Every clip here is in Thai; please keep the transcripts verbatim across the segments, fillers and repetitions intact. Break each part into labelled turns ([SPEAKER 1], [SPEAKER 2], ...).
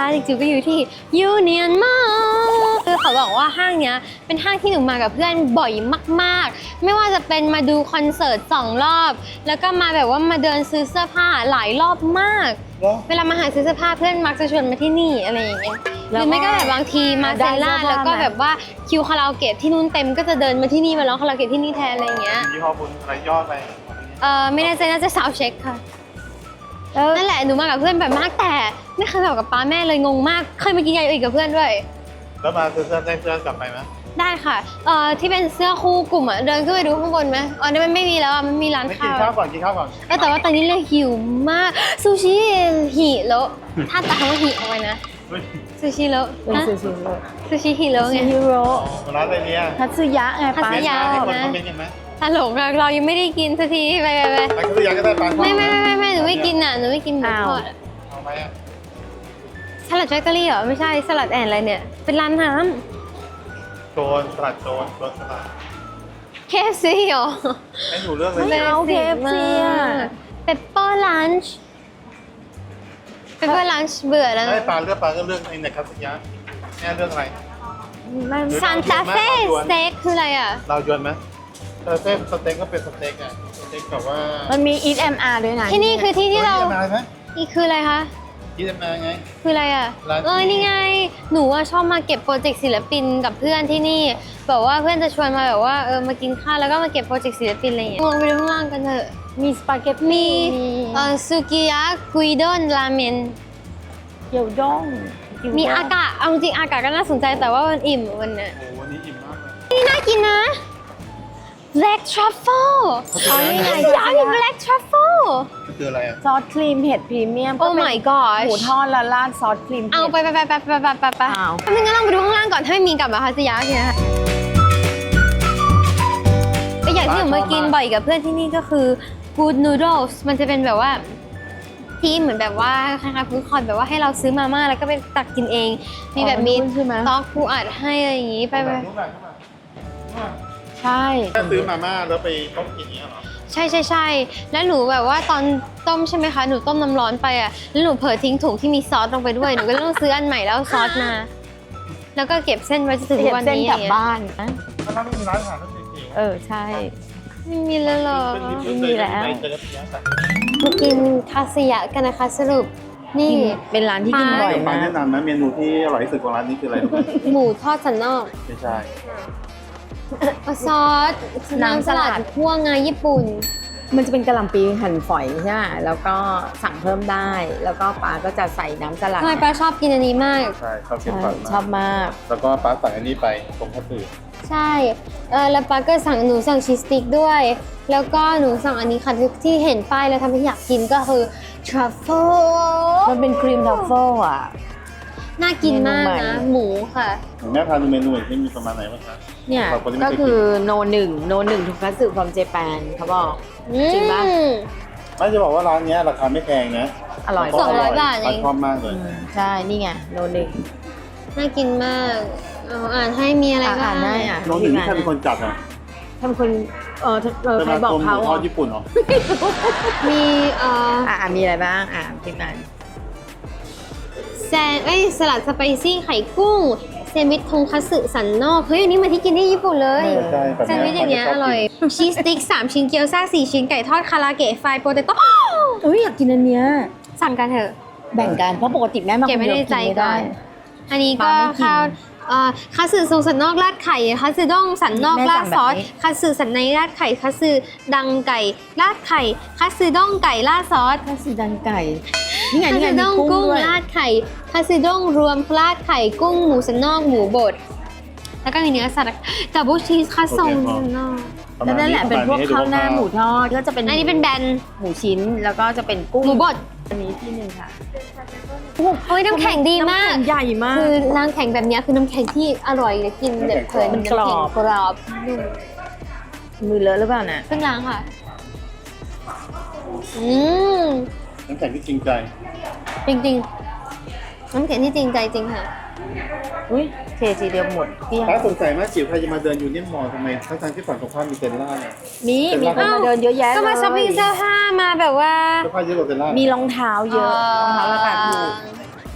[SPEAKER 1] จริงๆก็อยู่ที่ยูเนียนมอลล์คือเขาบอกว่าห้างเนี้ยเป็นห้างที่หนูมากับเพื่อนบ่อยมากๆไม่ว่าจะเป็นมาดูคอนเสิร์ตสองรอบแล้วก็มาแบบว่ามาเดินซื้อเสื้อผ้าหลายรอบมากเวลามาหาซื้อเสื้อผ้าเพื่อนมักจะชวนมาที่นี่อะไรอย่างเงี้ยหรือไม่ก็แบบบางทีมาเซล่าแล้วก็แบบว่าคิวคาราโอเกะที่นู่นเต็มก็จะเดินมาที่นี่มาร้องคาราโอเกะที่นี่แทนอะไรอย่างเงี้ย
[SPEAKER 2] ยี่ห้อคุณอะไรยอดไป
[SPEAKER 1] เออไม่แน่ใจน่าจะซาวเช็คค่ะนั่นแหละหนูมากับเพื่อนแบบมากแต่ไม่เคยแบบกับป้าแม่เลยงงมากเคยมากินยาอีกกับเพื่อนด้วย
[SPEAKER 2] แล้วมาซื้อเสื้อได้เสื้อกลับไปไหม
[SPEAKER 1] ได้ค่ะเอ่อที่เป็นเสื้อคู่กลุ่มอ่ะเดินขึ้นไปดูข้างบนไหมอ๋อนี่มันไม่มีแล้วอ่ะมันมีร้านข้าว
[SPEAKER 2] กินข้าวก่อนกินข้าวก่อน
[SPEAKER 1] แต่ว่าตอนนี้เลยหิวมากซูชิหิแล้วถ้าตัดคำว่าหิเอาไว้นะซูชิแล้ว
[SPEAKER 3] ซูชิโร่
[SPEAKER 1] ซูชิหิแล้วไง
[SPEAKER 3] ซูชิโร่
[SPEAKER 2] ร้านอะไรเนี่ย
[SPEAKER 3] ทัตสึยะไงป้า
[SPEAKER 1] ทัตสึยะ
[SPEAKER 2] ให้คนคอมเมนต์กันไหม
[SPEAKER 1] ตลกเรายังไม่ได้กินสักทีไปไปไป
[SPEAKER 2] ไปทัตสึยะก็ได้ปลา
[SPEAKER 1] ไม่ไม่ไม่ไม่หนูไม่กินอ่ะหนูไม่กินหมูทอด
[SPEAKER 2] เอาไหมอ่ะ
[SPEAKER 1] สลัดแฟคทอรี่เหรอไม่ใช่สลัดแอนอะไรเนี่ยเป็นร้านน้ำ
[SPEAKER 2] โจนสลัดโจนโจนสลัด
[SPEAKER 1] เค เอฟ ซี เหรอ
[SPEAKER 2] ให้หนูเลือกเลย
[SPEAKER 3] ไม่เอา เค เอฟ ซี อ่ะ
[SPEAKER 1] เปปเปอร์ลันช์เปปเปอร์ลันช์เบื่อแล้ว
[SPEAKER 2] ให้ปลาเลือกปลาก็เลือกในทัตสึยะแม่เลือกอะไร
[SPEAKER 1] ซานตาเฟ่สเต็กคืออะไรอ่ะ
[SPEAKER 2] เรายวนไหมซานตาเฟ่สเต็กก็เป็นสเต็กอ่ะสเต็กแบบว่า
[SPEAKER 3] มันมี Eat เอ็ม อาร์ ด้วยนะ
[SPEAKER 1] ที่นี่คือที่ที่เราอีกคืออะไรคะ
[SPEAKER 2] ที่จะมาไง
[SPEAKER 1] คืออะไรอ่ะเอ้ยนี่ไงหนูว่าชอบมาเก็บโปรเจกต์ศิลปินกับเพื่อนที่นี่แบบว่าเพื่อนจะชวนมาแบบว่าเออมากินข้าวแล้วก็มาเก็บโปรเจกต์ศิลปินอะไรอย่างเงี้ยลงไปดูข้างล่างกันเถอะ
[SPEAKER 3] มีสปาเกตตี้
[SPEAKER 1] มีเอ่อซูกิยะกุยด้นราเมน
[SPEAKER 3] เกี๊ยวด้ง
[SPEAKER 1] มีอากาศเอาจริงอากาศก็น่าสนใจแต่ว่ามันอิ่มวันนี้
[SPEAKER 2] โอ้วันนี้อิ่มมากเลย
[SPEAKER 1] นี่น่ากินนะ Black Truffle
[SPEAKER 3] อ๋อนี่ไง
[SPEAKER 1] อยากกิน Black Truffle
[SPEAKER 2] คืออะไรอ่ะ
[SPEAKER 3] ซอสครีมเห็ดพรีเมียม
[SPEAKER 1] Oh my gosh
[SPEAKER 3] หมูทอดและราดซอสครีม
[SPEAKER 1] เอาไปไปไปไปไปไปไปไปถ้าไม่งั้นลองไปดูข้างล่างก่อนถ้าไม่มีกลับมาคาสยาเนี่ยค่ะก็อย่างที่หนูมากินบ่อยกับเพื่อนที่นี่ก็คือ Good Noodles มันจะเป็นแบบว่าที่เหมือนแบบว่าคล้ายๆฟู้ดคอร์ทแบบว่าให้เราซื้อมาม่าแล้วก็ไปตักกินเองมีแบบมีต๊อกปูอัดให้อะไรอย่างงี้ไปไป
[SPEAKER 3] ใช่
[SPEAKER 2] ถ้าซื้อมาม่าแล้วไปต้มกินนี้เหรอ
[SPEAKER 1] ใช่ใช่ใช่แล้วหนูแบบว่าตอนต้มใช่ไหมคะหนูต้มน้ำร้อนไปอ่ะแล้วหนูเผลอทิ้งถุงที่มีซอสลงไปด้วยหนูก็ต้องซื้ออันใหม่แล้วซอสมาแล้วก็เก็บเส้นไว้จนถึงวันนี้
[SPEAKER 3] กลับบ้านนะ
[SPEAKER 2] ถ้าไม่มีร้านอาหารก็เจ๋ง
[SPEAKER 3] เออใช่
[SPEAKER 1] ไม่มีแล้วหรอ
[SPEAKER 3] ไม่มีแล้ว
[SPEAKER 1] มากินคาสยะกันนะคะสรุปนี่
[SPEAKER 3] เป็นร้านที่กินบ่อยมาก
[SPEAKER 2] แนะนำนะเมนูที่อร่อยที่สุดของร้านนี้คืออะไรรู้ไหม
[SPEAKER 1] หมูทอดสันนอก
[SPEAKER 2] ไม่ใช่
[SPEAKER 1] ซอสน้ำสลัดคั่วงาญี่ปุ่น
[SPEAKER 3] มันจะเป็นกะหล่ำปีหั่นฝอยใช่ไหมแล้วก็สั่งเพิ่มได้แล้วก็ป้าก็จะใส่น้ำสลัด
[SPEAKER 1] ใช่ป้าชอบกินอันนี้มาก
[SPEAKER 2] ใช่ชอบกินฝอย
[SPEAKER 3] ชอบมาก
[SPEAKER 2] แล้วก็ป้าสั่งอันนี้ไปตรงคัตสึ
[SPEAKER 1] ใช่เออแล้วป้าก็สั่งหนูสั่งชีสสติ๊กด้วยแล้วก็หนูสั่งอันนี้ค่ะที่เห็นป้ายแล้วทำให้อยากกินก็คือทรัฟเฟิล
[SPEAKER 3] มันเป็นครีมทรัฟเฟิลอ่ะ
[SPEAKER 1] น่ากินมากนะหมูค่ะ
[SPEAKER 2] แม่พาดูเมนูที่มีประมาณไหนบ้างคะ
[SPEAKER 3] เนี่ยก็คือโนหนึ่งโนหนึ่งทุกคัตสึฟอร์มเจแปนเขาบอกจริงป่ะ
[SPEAKER 2] ไม่จะบอกว่าร้านนี้ราคาไม่แพงนะ
[SPEAKER 3] อร่อย
[SPEAKER 1] สองร้อยบาทเอง
[SPEAKER 2] ชอบมากเลย
[SPEAKER 3] ใช่นี่ไงโนหนึ่ง
[SPEAKER 1] น่ากินมากอ่านให้มีอะไรบ้าง
[SPEAKER 3] อ่านได้อ่ะ
[SPEAKER 2] โนหนึ่งนี่ใครเป็นคนจัดอ่ะ
[SPEAKER 3] ทำคนเออใครบอกเขา
[SPEAKER 2] ทอดญี่ปุ่นเหรอ
[SPEAKER 1] มีเอ่อ
[SPEAKER 3] อ่ามีอะไรบ้างอ่าพิมพ์มา
[SPEAKER 1] แซนเอ้ยสลัดสไปซี่ไข่กุ้งแซนด์วิชทงคัตสึสันนอกเฮ้ยอันนี้มาที่กินที่ญี่ปุ่นเลยแซนด์วิชอย่างเงี้ยอร่อยชีสสติ๊กสามชิ้นเกี๊ยวซ่าสี่ชิ้นไก่ทอดคาราเกะไฟโปเตโต้
[SPEAKER 3] เอ้ยอยากกินอันเนี้ย
[SPEAKER 1] สั่งกันเถอะ
[SPEAKER 3] แบ่งกันเพราะปกติแม่มาคนเดียวกินไม่ได้
[SPEAKER 1] อันนี้ก็ข้าวคัตสึทรงสันนอกราดไข่คัตสึด้งสันนอกราดซอสคัตสึสันในราดไข่คัตสึดังไก่ราดไข่คัตสึด้งไก่ราดซอส
[SPEAKER 3] คัตสึดังไก่นี่ไง
[SPEAKER 1] คัตสึด้งกุ้งราดไข่คัตสึด้งรวมราดไข่กุ้งหมูสันนอกหมูบดแล้วก็มีเนื้อสัตว์ดับเบิลชีสคัตสึสันนอก
[SPEAKER 3] แล้วนั่นแหละเป็นพวกข้าวหน้าหมูทอดก็จะเป็น
[SPEAKER 1] อันนี้เป็นแบน
[SPEAKER 3] หมูชิ้นแล้วก็จะเป็นกุ้ง
[SPEAKER 1] หมูบด
[SPEAKER 3] อันนี้ที่หนึ่งค่ะ
[SPEAKER 1] โอ้ยน้ำแข็งดีมาก
[SPEAKER 3] ใหญ่มาก
[SPEAKER 1] คือน้ำแข็งแบบนี้คือน้ำแข็งที่อร่อยเลยกินแบบเพลิน
[SPEAKER 3] มันกรอบ
[SPEAKER 1] กรอบ
[SPEAKER 3] มือเลอะหรือเปล่านะ
[SPEAKER 1] เพิ่งล้างค่ะอืม
[SPEAKER 2] น้ำแข็งที่จริงใจ
[SPEAKER 1] จริงๆน้ำแข็งที่จริงใจจริงค่ะ
[SPEAKER 3] อุ้ยเททีเดียวหมด
[SPEAKER 2] ป้าสงสัยมากจิ๋วใครจะมาเดินยูเนียนมอลล์ทำไมทั้งๆที่ฝั่งตรงข้ามมีเซนล่าเนี่ย
[SPEAKER 3] มีมีคนมาเดินเยอะแยะเลย
[SPEAKER 1] ก็มาช้อปปิ้งเสื้อผ้ามาแบบว่า
[SPEAKER 2] เสื้อผ้าเยอะกว่าเซนล่า
[SPEAKER 3] มีรองเท้าเยอะรองเท้าราคาถูก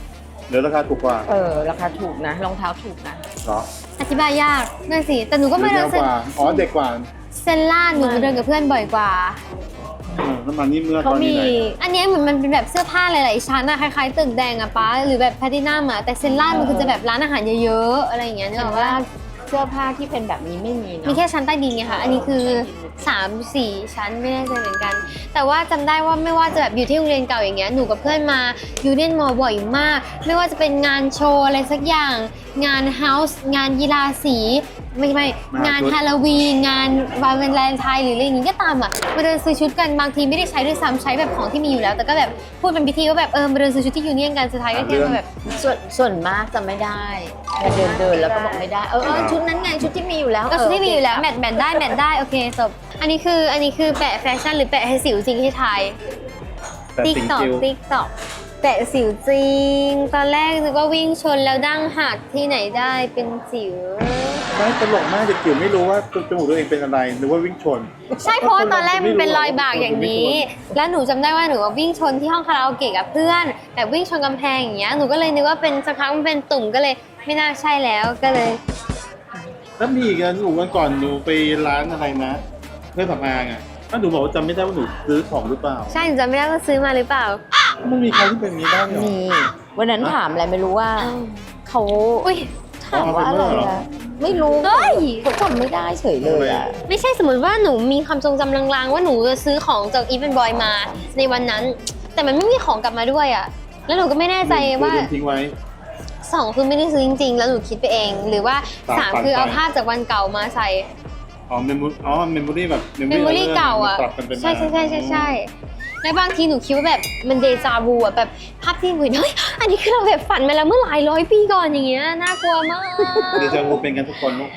[SPEAKER 2] หรือราคาถูกกว่า
[SPEAKER 3] เออราคาถูกนะรองเท้าถูกนะ
[SPEAKER 2] เหรอ
[SPEAKER 1] อธิบายยากนั่นสิแต่หนูก็ไม่
[SPEAKER 2] หรื
[SPEAKER 1] เดิ
[SPEAKER 2] อน เย
[SPEAKER 1] เซ
[SPEAKER 2] อะกว่าอ๋อเด็กกว่า
[SPEAKER 1] เซนล่าหนูเดินกับเพื่อนบ่อยกว่า
[SPEAKER 2] เออน้ำมันนี่เมื่อต
[SPEAKER 3] เขา
[SPEAKER 2] อนนี้
[SPEAKER 3] มี
[SPEAKER 2] ไหน
[SPEAKER 1] อันเนี้ยเหมือนมันเป็นแบบเสื้อผ้าหลายๆชั้นอะคล้ายๆตึกแดงอะป้าหรือแบบแพลตินัมอะแต่เซนล่ามันคือจะแบบร้านอาหารเยอะๆอะไรอย่างเงี้ยนึก
[SPEAKER 3] แต่
[SPEAKER 1] ออก
[SPEAKER 3] ว่า
[SPEAKER 1] ว่า
[SPEAKER 3] เสื้อผ้าที่เป็นแบบนี้ไม่มีเนาะ
[SPEAKER 1] มีแค่ชั้นใต้ดินไงคะอันนี้คือสามสี่ชั้นไม่แน่ใจเหมือนกัน แต่ว่าจำได้ว่าไม่ว่าจะแบบอยู่ที่โรงเรียนเก่าอย่างเงี้ยหนูกับเพื่อนมายูเนียนมอบ่อยมาก ไม่ว่าจะเป็นงานโชว์อะไรสักอย่าง งานเฮาส์งานกีฬาสีไม่ไม่งานฮาโลวีนงานวันวาเลนไทน์หรืออะไรอย่างงี้ก็ตามอ่ะมาเดินซื้อชุดกันบางทีไม่ได้ใช้ด้วยซ้ำใช้แบบของที่มีอยู่แล้ว แต่ก็แบบพูดเป็นพิธีว่าแบบเออมาเดินซื้อชุดที่ยูเนียนกันสุดท้ายก็แค่มาแบบ
[SPEAKER 3] ส่วนส่วนมากจะไม่ได้เดินเดินๆแล้วก็บอกไม่ได้เออเออชุดนั้นไงชุดที่มีอยู่แล้ว
[SPEAKER 1] ก็ชุดที่มีอยู่แล้วแมทแมทได้แมทได้โอเคจบอันนี้คืออันนี้คือแปะแฟชั่นหรือแปะให้สิวจริงที่ไทย
[SPEAKER 2] แต่
[SPEAKER 1] ติ๊ก
[SPEAKER 2] สิง
[SPEAKER 1] ตอก
[SPEAKER 2] จิว
[SPEAKER 1] ติ๊กตอกแปะสิวจริง ตอนแรกนึกว่าวิ่งชนแล้วดั้งหักที่ไหนได้เป็นสิว
[SPEAKER 2] ไม่ตลกมากเด็กจิ๋วไม่รู้ว่าจมูกตัวเองเป็นอะไรหรือว่าวิ่งชน
[SPEAKER 1] ใช่เพราะว่าตอนแรกมันเป็นรอยบากอย่างนี้ แล้วหนูจำได้ว่าหนูว่าวิ่งชนที่ห้องคาราโอเกะกับเพื่อนแบบวิ่งชนกำแพงอย่างเงี้ยหนูก็เลยนึกว่าเป็นสักพักมันเป็นตุ่มก็เลยไม่น่าใช่แล้วก็เลย
[SPEAKER 2] แล้วมีอีกอันหนูวันก่อนหนูไปร้านอะไรนะเพื่อนสำอางอ่ะถ้าหนูบอกว่าจำไม่ได้ว่าหนูซื้อของหรือเปล่า
[SPEAKER 1] ใช่หนูจำไม่ได้ว่าซื้อมาหรือเปล่า
[SPEAKER 2] มันมีใครที่เป็นอย่างนี้บ้างเหรอ
[SPEAKER 3] มีวันนั้นถามอะไรไม่รู้ว่าเขา
[SPEAKER 1] อุ้ย
[SPEAKER 3] ถามว่าอะไร
[SPEAKER 2] เอาเป็นเมื่อเหรอ
[SPEAKER 3] อะไม่รู้
[SPEAKER 1] เฮ้ย
[SPEAKER 3] เขาจำไม่ได้เฉยเลยอะ
[SPEAKER 1] ไม่ใช่สมมติว่าหนูมีความทรงจำลางๆว่าหนูจะซื้อของจากอีเวนต์บอยมาในวันนั้น แต่มันไม่มีของกลับมาด้วยอ่ะแล้วหนูก็ไม่แน่ใจว่า
[SPEAKER 2] หนูทิ้งไว้
[SPEAKER 1] สองคือไม่ได้ซื้อจริงๆ แล้วหนูคิดไปเอง หรือว่า
[SPEAKER 2] ตาม
[SPEAKER 1] สาม
[SPEAKER 2] ฝัน
[SPEAKER 1] คือเอา
[SPEAKER 2] ไป
[SPEAKER 1] ภาพจากวันเก่ามาใส่
[SPEAKER 2] อ๋อเมมโมอ๋อเมมโมรี่แบบ
[SPEAKER 1] เมมโมรี่เก่าอ่ะ
[SPEAKER 2] ปรับกันเป็น
[SPEAKER 1] ใช่ใช่ใช่ใช่ใช่แล้วบางทีหนูคิดว่าแบบมันเดจาวูอ่ะแบบภาพที่หนูเห็นเฮ้ยอันนี้คือเราแบบฝันมาแล้วเมื่อหลายร้อยปีก่อนอย่างเงี้ยน่ากลัวมาก
[SPEAKER 2] เดจาวูเป็นกันทุกคนลูก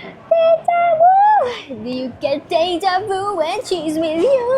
[SPEAKER 1] Do you get deja vu when she's with you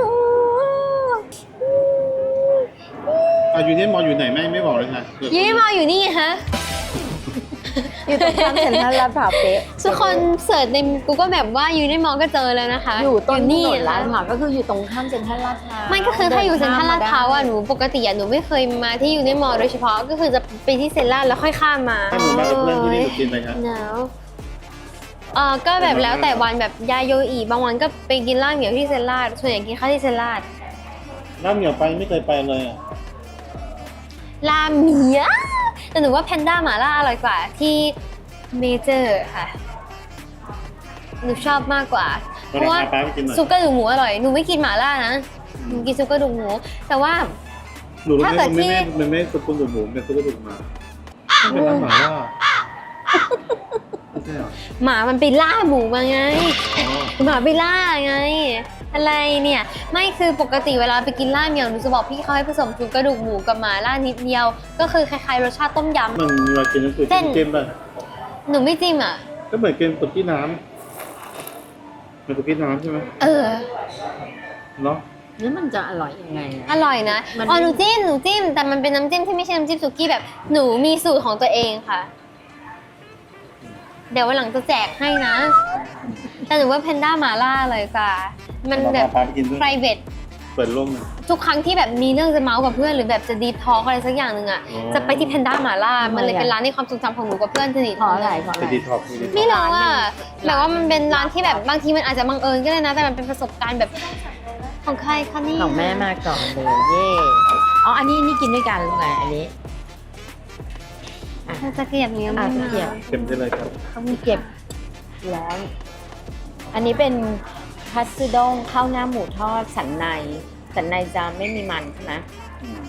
[SPEAKER 2] อ่ะอยู่เนี่ยมออยู่ไหนไม่ไม่บอกเลยค่ะ
[SPEAKER 1] ยี่มาอยู่นี่ไงฮะ
[SPEAKER 3] อยู่ตรงข้ามเซ็นทรัลลาดพร้าวเป๊ะ
[SPEAKER 1] ทุกคนเสิร์ชใน Google แบบว่าอยู่ในมอก็เจอแล้วนะคะ
[SPEAKER 3] อยู่ต้นถ
[SPEAKER 1] นี่
[SPEAKER 3] นนลาด
[SPEAKER 1] อะ
[SPEAKER 3] พร้าวก็คืออยู่ตรงข้ามเซ็นทรัลลาดพร้าว
[SPEAKER 1] ไม่ก็คือถ้าอยู่เซ็นทรัลลาดพร้าวอ่ะหนูปกติอ่ะหนูไม่เคยมาที่อยู่ในมอโดยเฉพาะก็คือจะไปที่เซ็นทรัลแล้วค่อยข้ามมา
[SPEAKER 2] ถ้าหนูมากับเพื่อนที่นี่หนูกินอะไรครับ
[SPEAKER 1] หนาวเออก็แบบแล้วแต่วันแบบยาโยอีบางวันก็ไปกินล่าเหมียวที่เซนลาดส่วนใหญ่กินข้าวที่เซนลาด
[SPEAKER 2] น้ำเหนียวไปไม่เคยไปเลยอ่ะ
[SPEAKER 1] ลาเหมียแต่หนูว่าแพนด้าหมาล่าอร่อยกว่าที่เมเจอร์ค่ะหนูชอบมากกว่า เพ
[SPEAKER 2] วัน
[SPEAKER 1] ราะ
[SPEAKER 2] ไหน
[SPEAKER 1] ว่า
[SPEAKER 2] พาป้าไปกินหน่อย
[SPEAKER 1] ซุปกระดูกหมูอร่อยหนูไม่กินหมาล่านะหนูกินซุปกระดูกหมูแต่ว่า
[SPEAKER 2] หนูรู้ไหม
[SPEAKER 1] ถ้าเกิด
[SPEAKER 2] มันไม่
[SPEAKER 1] ที่
[SPEAKER 2] ไม่มันไม่ซุปกระดูกหมูเป็นซุปกระดูกหมาเป็นร้านหมาล่าไม่ใช่เหรอ
[SPEAKER 1] หมามันไปล่าหมูมาไง
[SPEAKER 2] อ๋อ
[SPEAKER 1] หมาไปล่าไง อะไรเนี่ยไม่คือปกติเวลาไปกินล่าเหมียวหนูจะบอกพี่เขาให้ผสมซุปกระดูกหมูกับหมาล่านิดเดียว ก็คือคล้ายๆรสชาติต้มย
[SPEAKER 2] มันเวลากินน้ำซุป
[SPEAKER 1] เส้น
[SPEAKER 2] เค็มป่ะ
[SPEAKER 1] ำหนูไม่จิ้มอ่ะ
[SPEAKER 2] ก็เหมือนกินสุกี้น้ำเป็นสุกี้น้ำใช่ไหม
[SPEAKER 1] เออ
[SPEAKER 2] เนาะ
[SPEAKER 3] แล้วมันจะอร่อยยังไงอะ
[SPEAKER 1] อร่อยนะ
[SPEAKER 3] มัน
[SPEAKER 1] อ๋อหนูจิ้มหนูจิ้มแต่มันเป็นน้ำจิ้มที่ไม่ใช่น้ำจิ้มสุกี้แบบหนูมีสูตรของตัวเองค่ะ เดี๋ยววันหลังจะแจกให้นะ แต่หนูว่าเพนด้าหมาล่าเลยกว่ามันแบบ
[SPEAKER 2] พาไปกินด้วย
[SPEAKER 1] private
[SPEAKER 2] เปิดโล่งเลย
[SPEAKER 1] ทุกครั้งที่แบบมีเรื่องจะเมาส์กับเพื่อนหรือแบบจะดีทอล์กอะไรสักอย่างหนึ่งอ่ะ
[SPEAKER 2] อ๋อ
[SPEAKER 1] จะไปที่เพนด้าหมาล่ามันเลยเป็นร้านในความทรงจำของหนูกับเพื่อนสนิท
[SPEAKER 3] เพราะอะไรเพราะอะ
[SPEAKER 2] ไป
[SPEAKER 3] ไร
[SPEAKER 2] ดีท็อกซ์ไปดีท็อกซ์
[SPEAKER 1] ไม่รู้อ่ะแบบว่ามันเป็นร้านที่แบบบางทีมันอาจจะบังเอิญก็ได้นะ แต่มันเป็นประสบการณ์แบบของใครคะนี่
[SPEAKER 3] ของแม่มาก่อนเลยเย่อ๋ออันนี้นี่กินด้วยกันหรือไงอันนี้
[SPEAKER 1] ถ้าจะเกลียบเนี้ย
[SPEAKER 3] อ่ะ
[SPEAKER 1] ไม่
[SPEAKER 3] ตะเกียบ
[SPEAKER 2] เค็มได้เลยครับ
[SPEAKER 3] เขามีเก็บแล้ว อันนี้เป็นคัตสึด้งข้าวหน้าหมูทอดสันในสันในจะไม่มีมันใช่ไหม
[SPEAKER 2] อืม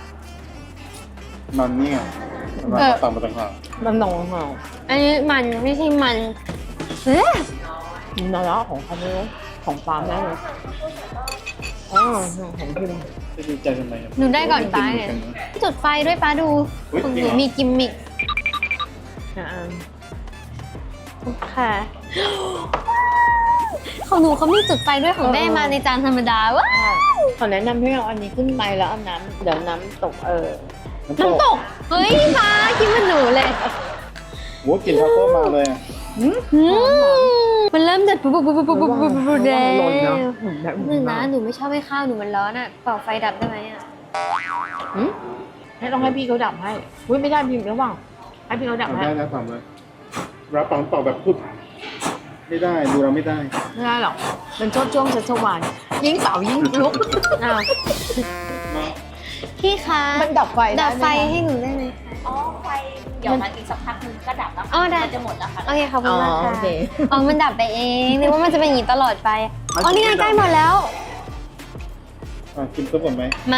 [SPEAKER 2] มันนี่ไงมันมาต่างมาต่างหาก
[SPEAKER 3] มันนองเหรอ
[SPEAKER 1] อันนี้มันไม่ใช่มันเอ๊ะ
[SPEAKER 3] เนื้อของเขาเนี่ยของปลาแม่เลยอ๋อของพิม
[SPEAKER 2] จะดีใจทำไมครับ
[SPEAKER 1] หนูได้ก่อนป้าเนี่ยจุดไฟด้วยป้าดู
[SPEAKER 2] อุ๊ย
[SPEAKER 1] ของ
[SPEAKER 2] จริ
[SPEAKER 1] ห
[SPEAKER 2] ง
[SPEAKER 1] นู
[SPEAKER 2] เหรอ
[SPEAKER 1] มีกิมมิค
[SPEAKER 3] อ่า
[SPEAKER 1] ค่ะ ของหนูเขามีจุดไฟด้วยของแม่มาในจานธรรมดาว้า
[SPEAKER 3] ขอแนะนำให้เอาอันนี้ขึ้นไปแล้วเอาน้ำเดี๋ยวน้ำตกเออ
[SPEAKER 2] น้ำต
[SPEAKER 1] น้ำต
[SPEAKER 2] ก
[SPEAKER 1] กเฮ้ยป้ากินเหมันหนูเลย
[SPEAKER 2] โหกลิ่นทาโก้มาเลยอะ
[SPEAKER 3] หืม
[SPEAKER 1] อืมมันเริ่มเดือดปุ๊บปุ๊บปุ๊บปุ๊บปุ๊บปุ๊บปุ๊บแดง
[SPEAKER 3] หล่นเนาะแบบ
[SPEAKER 1] หนึ่งนะหนูไม่ชอบให้ข้าวหนูมันร้อนอ่ะเป่าไฟดับได้ไหมอ่ะ
[SPEAKER 3] หืมให้ต้องให้พี่เขาดับให้อุ้ยไม่ได้พี่ระหว่างให้พี่เขาดับ
[SPEAKER 2] ทำ
[SPEAKER 3] ให้
[SPEAKER 2] ได้นะทำเลยรับปังต่อแบบพุดไม่ได้ดูเราไม่ได้
[SPEAKER 3] ไม่ได้หรอกมันช่วงช่วงชัชวานยิ่งเป่ายิ่งลุก
[SPEAKER 1] อ้าวพี่คะ
[SPEAKER 3] มันดับไฟ
[SPEAKER 1] ดับไฟ
[SPEAKER 3] หม
[SPEAKER 1] ให้หนูได้ไหม
[SPEAKER 4] อ๋อไฟเดี๋ยวมันอีกสักพักนึงก็ดับแล้ว
[SPEAKER 1] อ๋อ
[SPEAKER 4] ค่ะ
[SPEAKER 1] ได้
[SPEAKER 4] มันจะหมดแล้วค่ะ
[SPEAKER 1] โอเคขอบคุ
[SPEAKER 3] อ๋
[SPEAKER 1] ณ
[SPEAKER 3] อ
[SPEAKER 1] มาก
[SPEAKER 3] โอ
[SPEAKER 1] ค่ะ
[SPEAKER 3] เค
[SPEAKER 1] อ๋อมันดับไปเองนึกว่ามันจะเป็นอย่างนี้ตลอดไปอ๋อนี่ไงใกล้หมดแล้ว
[SPEAKER 2] อ่ะกินซุปก่อนไหม
[SPEAKER 1] มา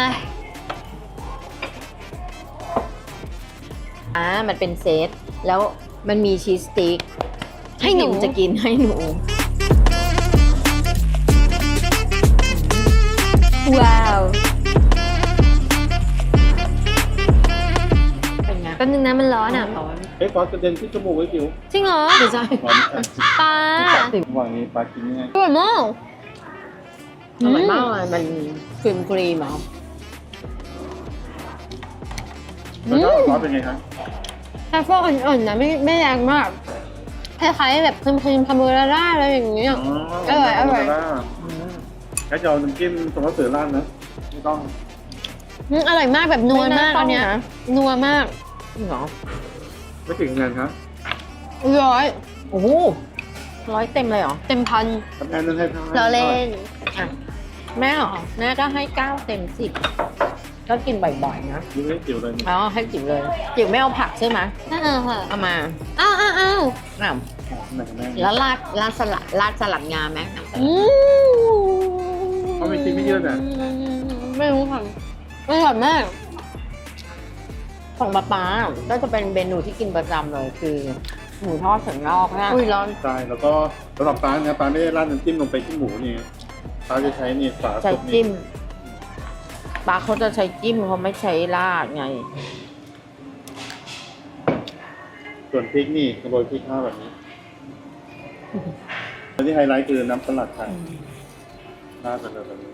[SPEAKER 3] อ่ามันเป็นเซตแล้วมันมีชีสสติ๊ก
[SPEAKER 1] ให้หนู
[SPEAKER 3] ที่พิมจะกินให้หนู
[SPEAKER 1] ว้าว
[SPEAKER 3] เป็นไง
[SPEAKER 1] แป๊บนึงนะมันร้อนอ่ะ
[SPEAKER 3] ร้อน
[SPEAKER 2] เอ้ยฟอสกระเด็นที่จมูกไว้จิ๋ว
[SPEAKER 1] จริงเหรอ
[SPEAKER 3] ไม่ใช่
[SPEAKER 2] หวานอ่ะ
[SPEAKER 1] ปลา
[SPEAKER 2] ระหว่างนี้ปลากินยังไง
[SPEAKER 1] อร่อยมาก
[SPEAKER 3] อร่อยมากเลยมันครีมครีมเหรอ
[SPEAKER 2] แล้วก็ซอสเป็นไงครับ
[SPEAKER 1] แค่ฟอกอ่อนๆนะไม่ไม่แรงมากคล้ายๆแบบครีมๆคาโบนาร่าอะไรอย่างเงี้ย อร่อยอร่อย
[SPEAKER 2] แล้วจะเอาน้ำจิ้มสมมติเสือร้านนะไม่ต้อง
[SPEAKER 1] อืมอร่อยมากแบบนัวมากอันเนี้ยนัวมาก
[SPEAKER 3] จริงเหรอ
[SPEAKER 2] ไม่ถึงเงินครับ
[SPEAKER 1] ร้อย
[SPEAKER 3] โอ้โหร้อยเต็มเลยเหรอ
[SPEAKER 1] เต็มพัน
[SPEAKER 2] ทำงานนั้นให้เท่าไหร่
[SPEAKER 1] เราเล่น
[SPEAKER 3] อ่ะแม่เหรอแม่ก็ให้เก้าเต็มสิบก็กินบ่อยๆนะ
[SPEAKER 2] ดูให้จิ๋วเลย
[SPEAKER 3] อ๋อให้จิ๋วเลยจิ๋วไม่เอาผักใช่ไหม
[SPEAKER 1] อ่าค่ะ
[SPEAKER 3] เอามา
[SPEAKER 1] อ้าวอ้าวอ้าว
[SPEAKER 3] อ้าว
[SPEAKER 2] ไหนกันแม่
[SPEAKER 3] แล้วราดราดสลัดราดสลัดงาไหมน้ำสลั
[SPEAKER 1] อื
[SPEAKER 3] ด
[SPEAKER 1] ม
[SPEAKER 2] เขาไม่กินไม่เยอะนะ
[SPEAKER 1] ไม่รู้ค่ะอร่อยมาก
[SPEAKER 3] ของป๊าป๊าก็จะเป็นเมนูที่กินประจำเลยคือหมูทอดสันนอกนะ
[SPEAKER 1] อุ้ยร้อน
[SPEAKER 2] ใช่แล้วก็สำหรับปลาเนี่ยปลาไม่ได้ราดน้ำจิ้มลงไปที่หมูนี่ปลาจะใช้นี่ฝา
[SPEAKER 3] ใช้
[SPEAKER 2] ซุปนี่
[SPEAKER 3] จิ้มป๊าเขาจะใช้จิ้มเขาไม่ใช้ราดไง
[SPEAKER 2] ส่วนพริกนี่โรยพริกข้าวแบบนี้แล้วที่ไฮไลท์คือน้ำสลัดค่ะราดไปเลยแบบนี้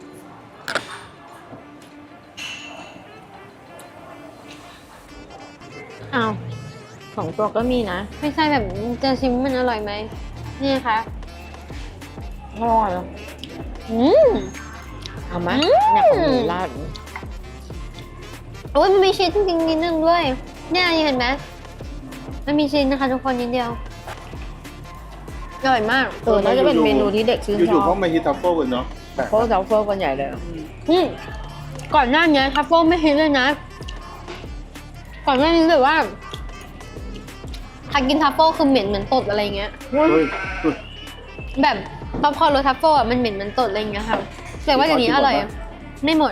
[SPEAKER 3] อ้าวสองตัวก็มีนะ
[SPEAKER 1] ไม่ใช่แบบจะชิมมันอร่อยไหมนี่ค่ะ
[SPEAKER 3] อร่อย
[SPEAKER 1] อืม
[SPEAKER 3] เอาไหม
[SPEAKER 1] อืม
[SPEAKER 3] เนี่ยของหมูราด
[SPEAKER 1] โอ้ยมันมีชีสจริงๆนิดนึงด้วยเนี่ยเห็นไหมมันมีชีสนะคะทุกคนนิดเดียวอร่อยมาก
[SPEAKER 3] เออน่าจะเป็นเมนูที่เด็กชื่นช
[SPEAKER 2] อยู่ๆ
[SPEAKER 3] อ
[SPEAKER 2] เขา
[SPEAKER 3] บ
[SPEAKER 2] มาฮิตทัฟเฟิลกันเนาะแต่
[SPEAKER 3] โค้ชเจ้าเฟิร์กันใหญ่เลย
[SPEAKER 1] อืมก่อนหน้านี้ทัฟเฟิลไม่ฮิตเลยนะ ก่อนหน้านี้แบบว่าถ้ากินทัฟเฟิลคือเหม็นเหมือนตดอะไรเงี้ย
[SPEAKER 2] เฮ้ยสุด
[SPEAKER 1] แบบป๊อปคอร์นรสทัฟเฟิลอ่ะมันเหม็นเหมือนตดอะไรเงี้ยค่ะแต่ว่าเดี๋ยวนี้อร่อยอะไม่หมด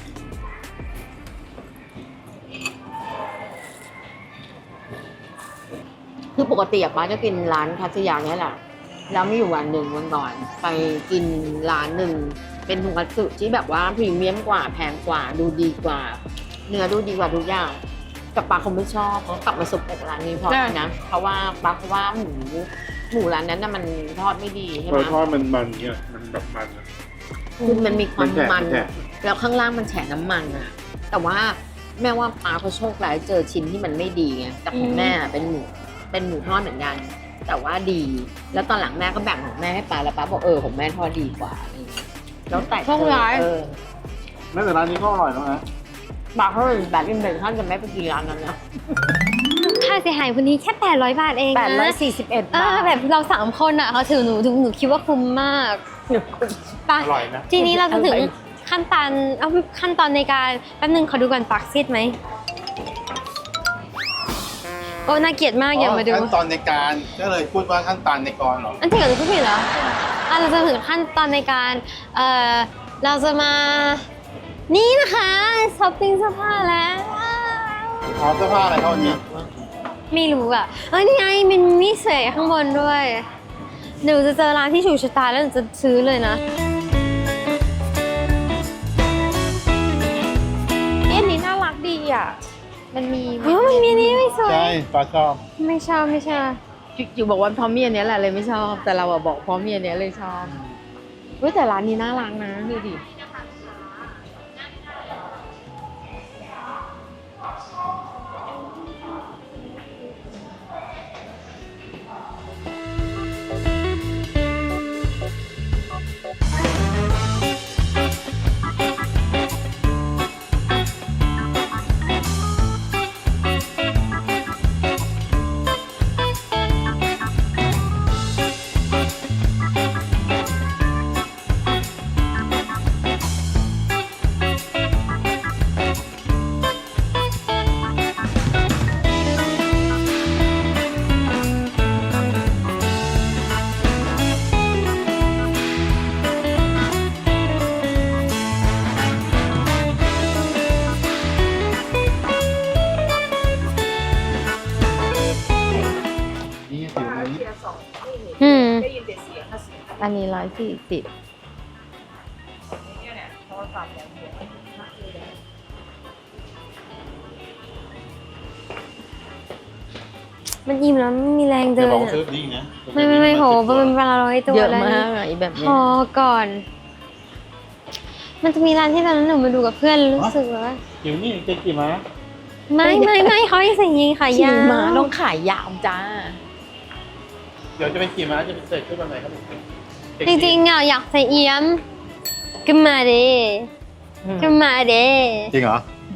[SPEAKER 3] คือปกติอะป้าจะกินร้านคัตสึยาเนี่ยแหละแล้วมีอยู่วันหนึ่งวันก่อน ไปกินร้านหนึ่งเป็นทุงคัตสึที่แบบว่าพรีเมียมกว่าแพงกว่าดูดีกว่า เนื้อดูดีกว่าทุกอย่างแต่ป้าคงไม่ชอบเขากลับมาสุกอกร้านนี้เพราะ
[SPEAKER 1] ใช่
[SPEAKER 3] อะไรนะเพราะว่าป้าเขาว่าหมูหมูร้านนั้นน่ะมันทอดไม่ดีใช่ไห
[SPEAKER 2] ร
[SPEAKER 3] ม
[SPEAKER 2] สทอดมันมันเนี่ยมันแบบมันอะ
[SPEAKER 3] คือมันมีความ
[SPEAKER 2] มันแฉะ
[SPEAKER 3] มัน
[SPEAKER 2] มันแฉะ
[SPEAKER 3] แล้วข้างล่างมันแฉะน้ำมันอะแต่ว่าแม่ว่าป้าเขาโชคร้ายเจอชิ้นที่มันไม่ดีไงแต่ของแม่อะเป็นหมูเป็นหมูทอดเหมือนกัน แต่ว่าดี แล้วตอนหลังแม่ก็แบ่งของแม่ให้ป้าแล้วป้าบอกเออของแม่ทอดดีกว่าอะไรอย่างเงี้ยแล้วแต่
[SPEAKER 1] โชคร้าย
[SPEAKER 3] เออ
[SPEAKER 2] แม้แต่ร้านนี้ก็อร่อยแล้วนะ
[SPEAKER 3] ป้าเขาแบบอินเทอร์ท่านจะไม่ไปกินร้านนั้นนะ
[SPEAKER 1] ค่าเสียหายวันนี้แค่แปดร้อยบาทเองนะ
[SPEAKER 3] แปดร้อยสี่สิบเอ็ด
[SPEAKER 1] เอบ
[SPEAKER 3] า
[SPEAKER 1] อ
[SPEAKER 3] ท
[SPEAKER 1] แบบเราสามคนอ่ะเขาถือหนูถึงหนูคิดว่าคุ้มมากไป
[SPEAKER 2] อร่อยนะ
[SPEAKER 1] ทีนี้เราจะถึงขั้นตอนเอาขั้นตอนในการแป๊บนึงขอดูก่อนปากซีดไหมโอ้น่าเกลียดมากอย่ามาดู
[SPEAKER 2] ขั้นตอนในการก็เลยพูดว่าขั้นตอนในกรเหรอ
[SPEAKER 1] อันที่เกิดพูดผิดเหรออ่ะเราจะถึงขั้นตอนในการเออเราจะมานี่นะคะช้อปปิ้งเสื้อผ้าแล้ว
[SPEAKER 2] ขอเสื้อผ้าอะไรเท่านี้
[SPEAKER 1] ไม่รู้อ่ะเอ้ยนี่ไงมันมีเสยข้างบนด้วยหนูจะเจอร้านที่ถูกชะตาแล้วหนูจะซื้อเลยนะ
[SPEAKER 4] เอ็นนี้น่ารักดีอ่ะ มันมี
[SPEAKER 1] เฮ้ยมันมีอันนี้ไม่สวย
[SPEAKER 2] ใช่ปลาชอบ
[SPEAKER 1] ไม่ชอบไม่ชอบ
[SPEAKER 3] จิ๋วบอกว่าพร้อมเมียเนี้ยแหละเลยไม่ชอบ แต่เราอะบอกพร้อมเมียเนี้ยเลยชอบเฮ้ยแต่ร้านนี้น่ารักนะดูดิอันนี้ร้อยสี่สิบ
[SPEAKER 1] มันอิ่มแล้วไม่มีแรงเดิ
[SPEAKER 2] จะ
[SPEAKER 1] น
[SPEAKER 2] บอกว่า
[SPEAKER 1] อะ
[SPEAKER 2] ซื้อนี่นะ
[SPEAKER 1] ไม่ไม่ไม่โหมันเป็นเวลาร้อยตัว
[SPEAKER 3] เยอะ
[SPEAKER 1] แล้ว
[SPEAKER 3] มากอะไอ้แบบ
[SPEAKER 1] พ
[SPEAKER 3] เนี้ย
[SPEAKER 1] อก่อน มันจะมีร้านที่ตอนนั้นหนูมาดูกับเพื่อนรู้สึกว่า
[SPEAKER 2] อยู่นี่เจะกี่ม้า
[SPEAKER 1] ไม่ไม่ไม่เขาให้ใส่ยีนขาย
[SPEAKER 3] ขี่
[SPEAKER 1] ยาว
[SPEAKER 3] ม้าต้องขายยาวจ้า
[SPEAKER 2] เดี๋ยวจะไปขี่ม้าจะไปใส่ชุดวันไหนครับผม
[SPEAKER 1] จริงๆอ่ะอยากใส่เอี้ยมก็มาเด้ก็มาเด้
[SPEAKER 2] จริงเหรอ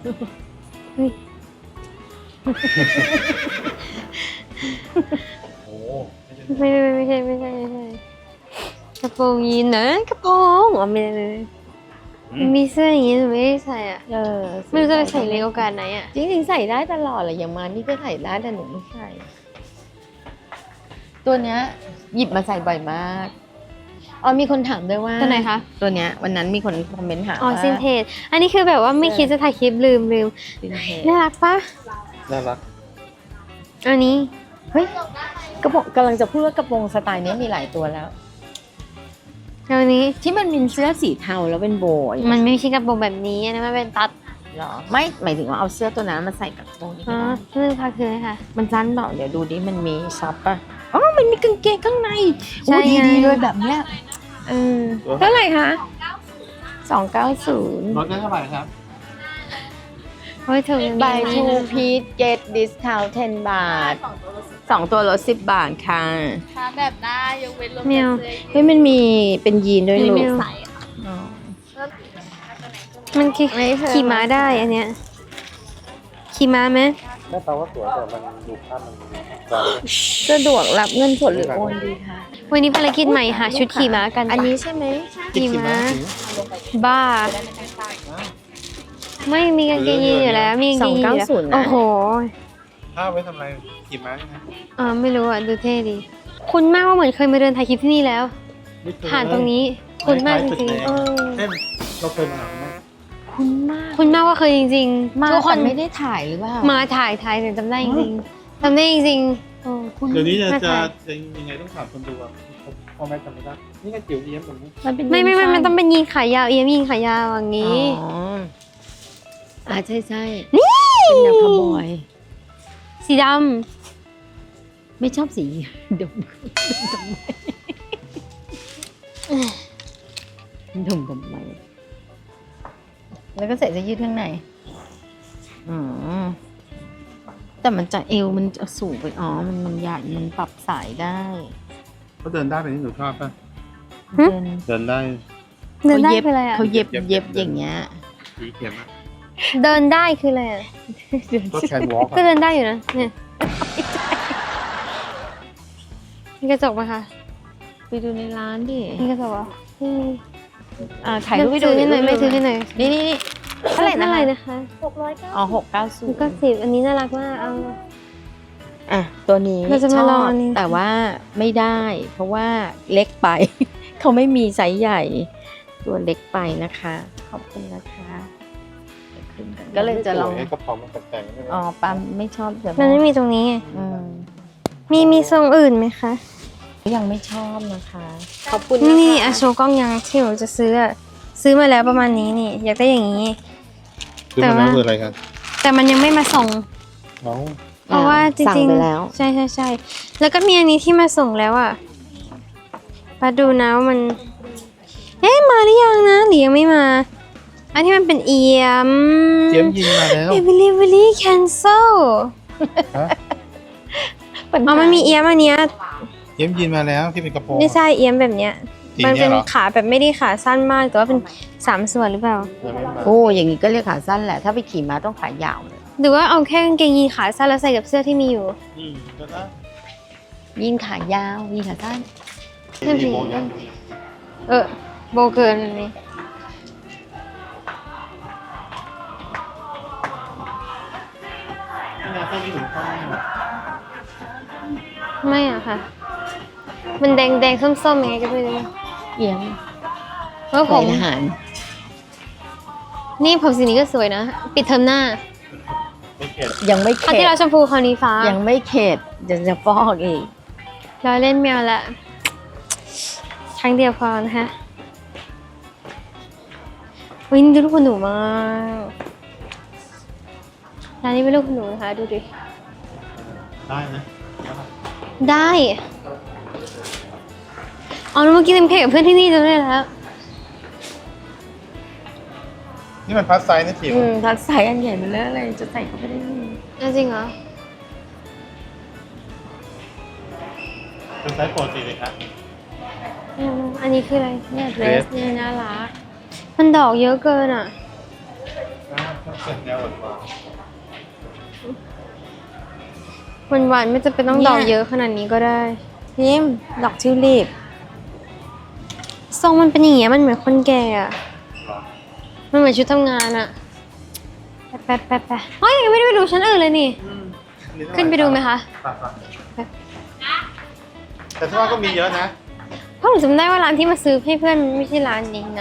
[SPEAKER 2] โอ้
[SPEAKER 1] ไม่ไม่ไม่ใช่ไม่ใช่ไม่ใช่กระโปรงยีนนะกระโปรงอ๋อไม่ได้ไม่ได้มันมีเสื้ออย่างงี้หนูไม่ได้ใส่อ่ะ
[SPEAKER 3] เออ
[SPEAKER 1] ไม่รู้จะไปใส่ในโอกาสไหนอ่ะ
[SPEAKER 3] จริงๆใส่ได้ตลอดเลยอย่างมานี่ก็ใส่ได้แต่หนูไม่ใส่ ตัวเนี้ยหยิบมาใส่บ่อยมากอ๋อมีคนถามด้วยว่า
[SPEAKER 1] ตัวไหนคะ
[SPEAKER 3] ตัวเนี้ยวันนั้นมีคนคอมเมนต์ถาม
[SPEAKER 1] อ๋อ
[SPEAKER 3] ว่า
[SPEAKER 1] ซินเทจอันนี้คือแบบว่าไม่คิดจะถ่ายคลิปลืมลืม
[SPEAKER 3] ซินเทจ
[SPEAKER 1] น่ารักปะ
[SPEAKER 2] น่ารัก
[SPEAKER 1] อันนี้
[SPEAKER 3] เฮ้ยกระโปรงกำลังจะพูดว่ากระโปรงสไตล์เนี้ยมีหลายตัวแล้ว
[SPEAKER 1] อันนี้
[SPEAKER 3] ที่มันเป็นเสื้อสีเทาแล้วเป็นโบย
[SPEAKER 1] มันไม่ใช่กระโปรงแบบนี้อันนะมันเป็นตัด
[SPEAKER 3] เหรอไม่หมายถึงว่าเอาเสื้อตัวนั้นมาใส่กับกระโปรงนี่
[SPEAKER 1] อ๋
[SPEAKER 3] ก็
[SPEAKER 1] อ
[SPEAKER 3] ได้
[SPEAKER 1] นี่พักคือค่ะ
[SPEAKER 3] มันสั้นเปล่าเดี๋ยวดูดิมันมีซับป่ะอ๋อมันมีกางเกงข้างใน
[SPEAKER 1] ใช่
[SPEAKER 3] โอ้ดี
[SPEAKER 1] ไง
[SPEAKER 3] ดีเลยแบบเนี้ยเออเท่าไหร่คะสองเก้าศูนย์
[SPEAKER 2] รถได้เท่าไหร่ครับ
[SPEAKER 1] เฮ้ยเธอ
[SPEAKER 3] buy two piece get discount 10 บาทสองตัวลดสิบบาทค่ะ
[SPEAKER 4] ถ้าแบบได้ยกเว้นรวม
[SPEAKER 1] แมว
[SPEAKER 4] เสื้อยืด
[SPEAKER 3] เฮ้ยมันมีเป็นยีนด้วยลู
[SPEAKER 1] ไม่
[SPEAKER 3] ก
[SPEAKER 1] เอา
[SPEAKER 4] ใส่ค่ะ
[SPEAKER 3] อ๋อ
[SPEAKER 1] มันขี่
[SPEAKER 3] ไม่เพิ่ม
[SPEAKER 1] ขี่ม้าได้อันเนี้ยขี่ม้าไหม
[SPEAKER 2] แม่ตาว่าสวยแต่มันดูภาพมันจอ
[SPEAKER 3] สะดวกรับเงินสดหรือโอนดีคะ
[SPEAKER 1] วันนี้ภารกิจใหม่หาชุดขี่ม้ากัน
[SPEAKER 3] อันนี้ใช่ไหม
[SPEAKER 1] ขี่ม้าบ้า ไม่มีกางเกงยีนอยู่แล้วมีกาง
[SPEAKER 3] ส
[SPEAKER 1] เก
[SPEAKER 3] อง
[SPEAKER 1] งยีน
[SPEAKER 3] เก้า
[SPEAKER 1] อยู่แล้ว
[SPEAKER 3] ศูนย์
[SPEAKER 1] โอ้
[SPEAKER 3] นะ
[SPEAKER 1] โห
[SPEAKER 2] ถ้าไว้ทำอะไรขี่ม้าใช่ไหม
[SPEAKER 1] อ่าไม่รู้อ่ะดูเท่ดีคุณมากว่าเหมือนเคยมาเดินถ่ายคลิปที่นี่แล้ว
[SPEAKER 2] ไม่เคย
[SPEAKER 1] ผ่านตรงนี้ คุณมากจริง
[SPEAKER 3] เออ
[SPEAKER 2] เช่นเราเคยมาหาไหม
[SPEAKER 3] คุณมาก
[SPEAKER 1] ๆคุณมากว่าเคยจริง
[SPEAKER 3] มา
[SPEAKER 1] ๆทุกค
[SPEAKER 3] แต่
[SPEAKER 1] น
[SPEAKER 3] ไม่ได้ถ่ายหรือเปล่า
[SPEAKER 1] มาถ่ายถ่ายแต่จำได้จริงๆจำได้จริงๆโอ้คุณ
[SPEAKER 2] เดี๋ยวนี้จะ
[SPEAKER 1] มา
[SPEAKER 2] จะ
[SPEAKER 1] ถ่าย
[SPEAKER 2] จะยังไงต้องถามคนดูอ่ะพ่อแม่จำไม่ได้นี่ก็จิ๋วเอี้ยมแบบนี้
[SPEAKER 3] มันเป็น
[SPEAKER 1] ไม่ไม่ไม่
[SPEAKER 3] ยี
[SPEAKER 1] มัน
[SPEAKER 3] สั้
[SPEAKER 1] ต้องเป็นยีนขายาวเอียมยีนขายาวอย่าง
[SPEAKER 3] อ๋
[SPEAKER 1] นี้
[SPEAKER 3] ออ่าใช่ใช่
[SPEAKER 1] นี่
[SPEAKER 3] เป็นแนวคาวบอย
[SPEAKER 1] สีด
[SPEAKER 3] ไม่ชอบสีดมดมดมไหมแล้วก็ใส่เสื้อยืดข้างในอ๋อแต่มันจะเอวมันจะสูงไปอ๋อมันมันใหญ่มันปรับสายได้
[SPEAKER 2] เขาเดินได้แบบนี้หนูชอบป่ะ
[SPEAKER 3] เดิน
[SPEAKER 2] เดินได้
[SPEAKER 1] ำเดินได้คืออะไรอ่ะ
[SPEAKER 3] เขาเย็บ
[SPEAKER 2] เย็บ
[SPEAKER 3] เย็บ
[SPEAKER 2] เย็บ
[SPEAKER 3] อย่างเงี้ย
[SPEAKER 2] สีเขียนอ่ะ
[SPEAKER 1] เดินได้คืออะไรอ่ะ
[SPEAKER 2] ก็แคนวอล์ก
[SPEAKER 1] ก็เดินได้อยู่นะเนี่ยมีกระจกไหมคะ
[SPEAKER 3] ไปดูในร้านดิ
[SPEAKER 1] มีกระจกเหรออืม
[SPEAKER 3] อ่าถ่ายรูปให้ดู
[SPEAKER 1] ซื้อให้หน่อย
[SPEAKER 3] ถ่า
[SPEAKER 1] ไม่
[SPEAKER 3] รูป
[SPEAKER 1] ซื้อให้หน่อย
[SPEAKER 3] นี่นี่นี่เท่าไหร่นะ
[SPEAKER 1] เท่าไหร่
[SPEAKER 3] คะ
[SPEAKER 1] นะคะ
[SPEAKER 4] หกร้อยเก้า
[SPEAKER 3] อ๋อหกเก้าศู
[SPEAKER 1] มัน
[SPEAKER 3] น
[SPEAKER 1] ก็
[SPEAKER 3] ย์
[SPEAKER 1] สิบอันนี้น่ารักมากเอา
[SPEAKER 3] อ่ะตัวนี้
[SPEAKER 1] เราจะ
[SPEAKER 3] ช
[SPEAKER 1] มา
[SPEAKER 3] อ
[SPEAKER 1] ลอบ งอันนี้
[SPEAKER 3] แต่ว่าไม่ได้ เพราะว่าเล็กไป เขาไม่มีไซส์ใหญ่ ตัวเล็กไปนะคะ ขอบคุณนะคะเดี๋ยวขึ้นกันก็เลยจะลอง
[SPEAKER 2] ไอ้กระเป๋ามันแต่งๆใช่ไหม
[SPEAKER 3] อ๋อปั๊มไม่ชอบแต่
[SPEAKER 1] มันไม่มีตรงนี้ไง
[SPEAKER 3] อืม
[SPEAKER 1] มีมีทรงอื่นไหมคะ
[SPEAKER 3] ยังไม่ชอบนะคะ ขอบคุณ
[SPEAKER 1] นี่
[SPEAKER 3] นะ
[SPEAKER 1] นี่
[SPEAKER 3] คะ
[SPEAKER 1] อาโชว์กล้องยังที่หนูจะซื้ออะซื้อมาแล้วประมาณนี้นี่ อยากได้อย่างนี้
[SPEAKER 2] คือมันนั่นคืออะไรครับ
[SPEAKER 1] แต่มันยังไม่มาส่ง
[SPEAKER 2] น้อง
[SPEAKER 1] เพราะว่าจ
[SPEAKER 3] สั่ง
[SPEAKER 1] ริง
[SPEAKER 3] ไปแล้ว
[SPEAKER 1] ๆใช่ใช่ใช่แล้วก็มีอันนี้ที่มาส่งแล้วอ่ะมาดูนะว่ามัน เอ๊ะมาหรือยังนะหรือยังไม่มา อันที่มันเป็นเอียม
[SPEAKER 2] เจียมยินมาแล้ว
[SPEAKER 1] delivery cancel
[SPEAKER 2] ฮะ
[SPEAKER 1] อ๋อมันมีเอียมอันเนี้ย
[SPEAKER 2] เจียมยินมาแล้วที่เป็นกระโปรง
[SPEAKER 1] ไม่ใช่เอียมแบบเนี้ย
[SPEAKER 2] สี
[SPEAKER 1] มัน
[SPEAKER 2] เนี้
[SPEAKER 1] เป็
[SPEAKER 2] ย
[SPEAKER 1] น
[SPEAKER 2] เหรอ
[SPEAKER 1] ขาแบบไม่ได้ขาสั้นมากแต่ว่าเป็นสามส่วนหรือเปล่า
[SPEAKER 2] ยังไม่มา
[SPEAKER 3] โอ้อย่างนี้ก็เรียกขาสั้นแหละ ถ้าไปขี่ม้าต้องขายาวเลย
[SPEAKER 1] หรือว่าเอาแค่กางเกงยีนขาสั้นแล้วใส่กับเสื้อที่มีอยู่
[SPEAKER 2] อืมก็ได้
[SPEAKER 3] ยิงขายาวยิงขาสั้น
[SPEAKER 1] นั่นสิ
[SPEAKER 2] โบยังอยู่
[SPEAKER 1] เออโบเกินอันนี้
[SPEAKER 2] นี่นะถ้ามีถุงผ้า
[SPEAKER 1] ไม่อะค่ะ มันแดงแดงๆส้มๆยังไงก็ไม่รู้
[SPEAKER 3] เอียง
[SPEAKER 1] เพราะผ
[SPEAKER 3] ใส่
[SPEAKER 1] ม
[SPEAKER 3] ทหาร
[SPEAKER 1] นี่ผมสีนี้ก็สวยนะ ปิดเทอมหน้า
[SPEAKER 2] ไม่เข็ด
[SPEAKER 3] ยังไม่
[SPEAKER 1] คราว
[SPEAKER 3] เข็
[SPEAKER 1] ที่
[SPEAKER 3] ด
[SPEAKER 1] เราชมพูคราวนี้ฟ้า
[SPEAKER 3] ยังไม่เข็ดจะจะฟอกอีก
[SPEAKER 1] เราเล่นแมวละไทรั้งเดียวพอนะคะวินดูลูกคุณหนูมากร้านนี้เป็นลูกคุณหนูนะคะดูดิ
[SPEAKER 2] ได้นะ
[SPEAKER 1] ได้อ๋อแล้วเมื่อกี้เต็มเค้กกับเพื่อนที่นี่จำได้แล้ว
[SPEAKER 2] นี่มันพัดไซส์นะจิ๋ว
[SPEAKER 3] อืมทักใส่อันใหญ่ไปเลยอะไรจะใส่เข้าไปได้ยังไง
[SPEAKER 1] อ่ะจริงเหรอ
[SPEAKER 2] เป็นไซส์ปกติเลยครับ
[SPEAKER 1] อืมอันนี้คืออะไร
[SPEAKER 3] เนี่ยเดรสเนี่ยน่ารัก
[SPEAKER 1] มันดอกเยอะเกินอ่ะ
[SPEAKER 2] เป็นแนวหวาน
[SPEAKER 1] วันหวานๆไม่จำเป็นต้องดอกเยอะขนาดนี้ก็ได้
[SPEAKER 3] พิมพ์ดอกทิวลิป
[SPEAKER 1] ทรงมันเป็นอย่างเงี้ยมันเหมือนคนแก่อะ
[SPEAKER 2] ๆหรอ
[SPEAKER 1] มันเหมือนชุดทำงานอะแป๊บแป๊บแป๊บเฮ้ยยังไม่ได้ไปดูชั้นอื่นเลยนี่ ขึ้นไปดูไหมคะ
[SPEAKER 2] แต่ที่ว่าก็มีเยอะนะ
[SPEAKER 1] เพราะหนูจำได้ว่าร้านที่มาซื้อให้เพื่อนมันไม่ใช่ร้านนี้นะ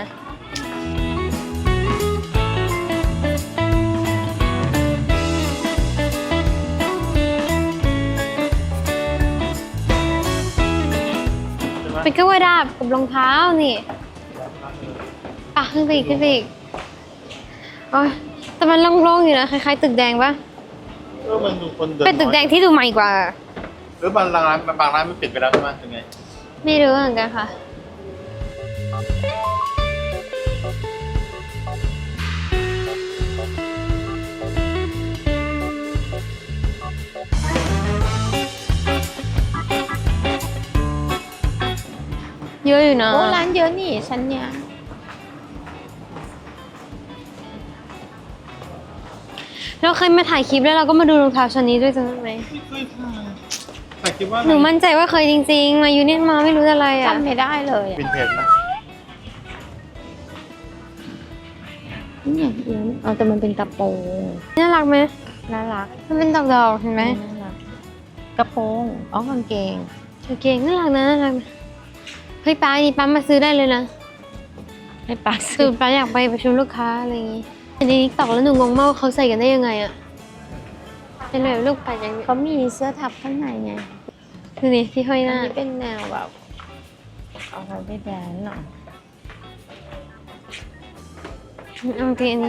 [SPEAKER 1] เป็นกระวาดาบกับรองเท้านี่ปะขึ้นไปอีกขึ้นไปอีกโอ้ยแต่มันโล่งๆอยู่นะคล้ายๆตึกแดงปะ
[SPEAKER 2] เออมันดูคนเดิน
[SPEAKER 1] เป็นตึกแดงที่ดูใหม่กว่า
[SPEAKER 2] หรือบางร้านบางร้านมันปิดไปแล้วใช่ไหมยังไง
[SPEAKER 1] ไม่รู้เหมือนกันค่ะ เยอะอยู่นะ
[SPEAKER 3] โอ้ร้านเยอะนี่ชั้นเนี้ย
[SPEAKER 1] เราเคยมาถ่ายคลิปแล้วเราก็มาดูรองเท้าชั้นนี้ด้วยจำได้ไหม
[SPEAKER 2] ไม่เคยถ่ายแต่คิดว่า
[SPEAKER 1] หนูมั่นใจว่าเคยจริงๆ มายูเนี่ยมาไม่รู้อะไรอ่ะ
[SPEAKER 3] จำไม่ได้เลยอะ
[SPEAKER 2] วินเทจนะ
[SPEAKER 3] เนี่ยเอียงเอาแต่มันเป็นกระโปรง
[SPEAKER 1] น่ารักไหม
[SPEAKER 3] น่ารัก
[SPEAKER 1] มันเป็นดอกๆเห็นไหม
[SPEAKER 3] น่ารักกระโปรงอ๋อกางเกง
[SPEAKER 1] โอเคน่ารักนะน่ารักนะเฮ้ยป้าอันนี้ป้ามาซื้อได้เลยนะ
[SPEAKER 3] ให้ปาก
[SPEAKER 1] คื
[SPEAKER 3] ซื้
[SPEAKER 1] อ
[SPEAKER 3] อ
[SPEAKER 1] ป้าอยากไปประชุมลูกค้าอะไรอย่างงี้อันนี้ตอกแล้วหนูงงมากว่าเขาใส่กันได้ยังไงอ่ะเป็นแบบลูกปัดอย่างนี้
[SPEAKER 3] เขามีเสื้อทับข้างในไง
[SPEAKER 1] ดูนี่ที่ห้อยห
[SPEAKER 3] อัน
[SPEAKER 1] น้า
[SPEAKER 3] นี้เป็นแนวแบบเอาไว้ไปแดนหน่อย
[SPEAKER 1] โอเคอันนี้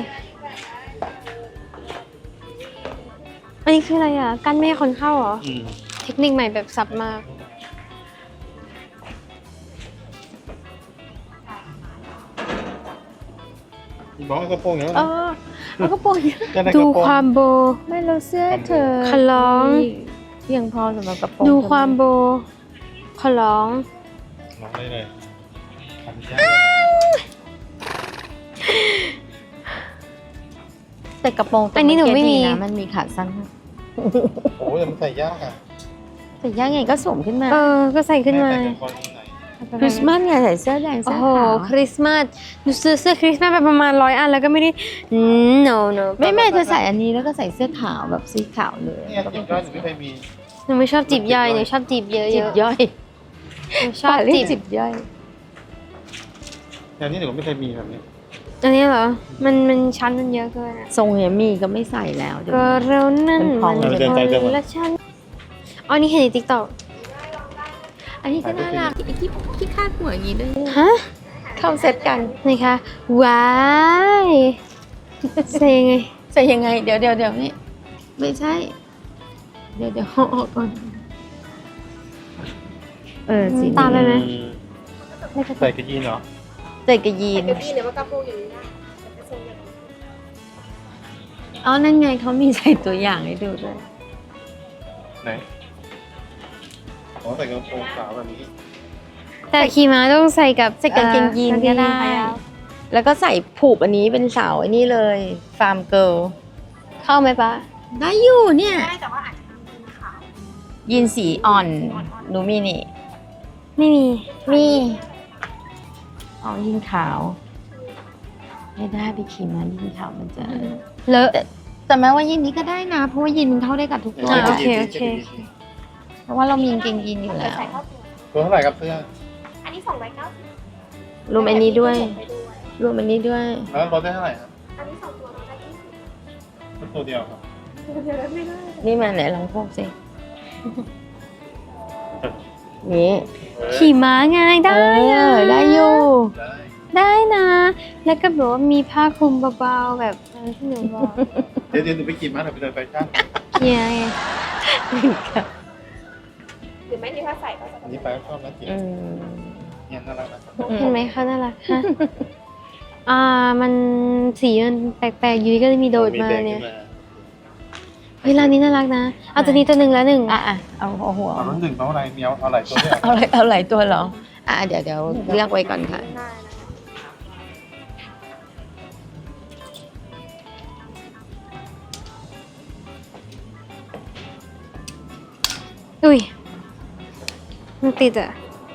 [SPEAKER 1] อันนี้คืออะไรอ่ะกั้นไม่ให้คนเข้าเหรอ
[SPEAKER 2] อืม
[SPEAKER 1] เทคนิคใหม่แบบสับมาก
[SPEAKER 2] บอกว่ากระโปรงอย่าง
[SPEAKER 3] เอ
[SPEAKER 2] นั้น
[SPEAKER 3] อเอากระโปรงเยอะ
[SPEAKER 2] จะได้ก
[SPEAKER 1] ดู
[SPEAKER 2] ระโปรง
[SPEAKER 1] ความโบ
[SPEAKER 3] ไม่เราเสื้อเธอ
[SPEAKER 1] ขอร้อง
[SPEAKER 3] เพียงพอสำหรับกระโปรง
[SPEAKER 1] ดูความโบ ขอร้อง
[SPEAKER 2] ลองได้เลยทำยาก
[SPEAKER 3] แต่กระโปรงตัว
[SPEAKER 1] อันนี้หนูไม่มี
[SPEAKER 3] เอกี้ดีนะมันมีขาสั้น
[SPEAKER 2] โอ้ยแต่มันใส่ยากอ่ะ
[SPEAKER 3] แต่ย่างไงก็สวมขึ้นมา
[SPEAKER 1] เออ ก็ใส่ขึ้นมา
[SPEAKER 2] แแต่กระโปรงที่ไหน
[SPEAKER 3] คริสต์มาสไงใส่เสื้อแดง
[SPEAKER 1] โอ้
[SPEAKER 3] เสื้อ
[SPEAKER 1] โห
[SPEAKER 3] ขาว
[SPEAKER 1] คริสต์มาสหนูซื้อเสื้อคริสต์มาสไปประมาณร้อยอันแล้วก็ไม่ได้อืม no no
[SPEAKER 3] ไม่ไม่เธอใส่อันนี้แล้วก็ใส่เสื้อขาวแบบสีขาวเลย
[SPEAKER 2] เนี่ยจิบย่อยหนูไม่เคยมี
[SPEAKER 1] หนูไม่ชอบจีบย่อยหนูชอบจีบเยอะ
[SPEAKER 3] จิบ
[SPEAKER 1] ๆ
[SPEAKER 3] ย่อย
[SPEAKER 1] หนูชอบ
[SPEAKER 3] เรีย
[SPEAKER 1] จี
[SPEAKER 3] ก
[SPEAKER 1] บ
[SPEAKER 3] จิบย่อย
[SPEAKER 2] อย่างนี้หนูไม่เคยมีแบบนี้
[SPEAKER 1] อันนี้เหรอ มันมันชั้นมันเยอะเกินอะ
[SPEAKER 3] ทรงเนี่ยมีก็ไม่ใส่แล้วเดี๋ยว
[SPEAKER 1] ก็เรานั่น
[SPEAKER 3] เป็นของ
[SPEAKER 1] มัน
[SPEAKER 2] เดินไปเดินมา
[SPEAKER 1] และชั้นอ๋อนี่เห็นในติ๊กต็อก
[SPEAKER 3] อันนี้ก็น่ารักไอ้ที่ที่คาดหัวอย่างนี้ด้วย
[SPEAKER 1] ฮะ
[SPEAKER 3] เข้าเซตกัน
[SPEAKER 1] นี่คะว้ายใส่ยังไง
[SPEAKER 3] ใส่ยังไงเดี๋ยวเดี๋ยวเดี๋ยวนี่ไม่ใช่ เดี๋ยวเดี๋ยวเอาออกก่อนเออสี
[SPEAKER 1] ตามเลยไหม
[SPEAKER 2] อืม
[SPEAKER 1] ไม่กระ
[SPEAKER 2] ใส่
[SPEAKER 1] ตุก
[SPEAKER 2] กระยีนเหรอ
[SPEAKER 3] ใส่กระยีนอ๋อนั่นไงเขามีใส่ตัวอย่างให้ดูด้วย
[SPEAKER 2] ไหนอ๋อใส่กระโปรงขาวแบบนี้
[SPEAKER 1] แต่ขี่ม้าต้องใส่กับ
[SPEAKER 3] ใส่กางเกงยีนก็ได้
[SPEAKER 1] กางเกงขายาว
[SPEAKER 3] แล้วก็ใส่ผูกอันนี้เป็นสาวไอ้นี่เลยฟาร์มเกิล
[SPEAKER 1] เข้าไหมปะ
[SPEAKER 3] ได้อยู่เนี่ยได้แต่ว่าอาจจะยีนสีอ่อนหนูมีนี่
[SPEAKER 1] ไม่มี
[SPEAKER 3] มีอ๋อยีนขาว ไม่ได้ไปขี่ม้ายีนขาวมันจะ
[SPEAKER 1] เลอะ
[SPEAKER 3] แต่แต่แม้ว่ายีนนี้ก็ได้นะ เพราะว่ายีนมันเข้าได้กับทุกตัว
[SPEAKER 1] อ่าโอเค
[SPEAKER 2] ใส่
[SPEAKER 1] โอก
[SPEAKER 2] ระ
[SPEAKER 1] เค
[SPEAKER 2] ยีน
[SPEAKER 3] เพราะว่าเรามีกางเกงยีนอยู่แล้ว
[SPEAKER 2] ตัวเท่าไหร่ครับเสื้อ
[SPEAKER 3] รวมอันนี้ด้วย รวมอันนี้ด้วย
[SPEAKER 2] แล้วลดได้เท่าไหร่ครับอันนี้สองตัวลดได้ยี่สิบตัวเดียวครับ
[SPEAKER 3] นี่มาไหนลองพวกสิ
[SPEAKER 2] ล
[SPEAKER 3] นี่
[SPEAKER 1] ขี่ม้าไงได้
[SPEAKER 3] เอ
[SPEAKER 1] อะ
[SPEAKER 3] อได้อยู่
[SPEAKER 2] ได้
[SPEAKER 1] ได้นะ แล้วก็แบบว่ามีผ้าคลุมเบาๆแบบเออที่หนูบอก
[SPEAKER 2] เดี๋ยวเดี๋ยวหนูไปกินมาหนูไปเดินแฟชั่น
[SPEAKER 1] เฮียไง
[SPEAKER 4] หรือไม่ที่ถ้าใส่ก็จะ
[SPEAKER 2] อันนี้ไปก็ชอบนะจิ๋ว
[SPEAKER 3] อืม
[SPEAKER 2] เนี่ยน่ารักนะ
[SPEAKER 1] เห็นไหมเขาน่ารักฮะอ่ามันสีมันแปลกๆอยู่ดีก็เลยมีโดดมาเนี่ย
[SPEAKER 2] ขึ้
[SPEAKER 1] เฮ้ยร้านนี้น่ารักนะ เอาตัวนี้ตัวหนึ่งแล้วหนึ่ง
[SPEAKER 3] อ่ะอ่ะเอาเอาหัว
[SPEAKER 2] เอารุ่นหนึ่งเอาอะไรมีเอาเอาหลายตัวด้วย
[SPEAKER 3] เอาอะไรเอาหลายตัวเหรอ อ่ะเดี๋ยวเดี๋ยวเลือกไว้ก่อนค่ะ
[SPEAKER 4] ได้นะ
[SPEAKER 1] อุ้ยมันติดอะ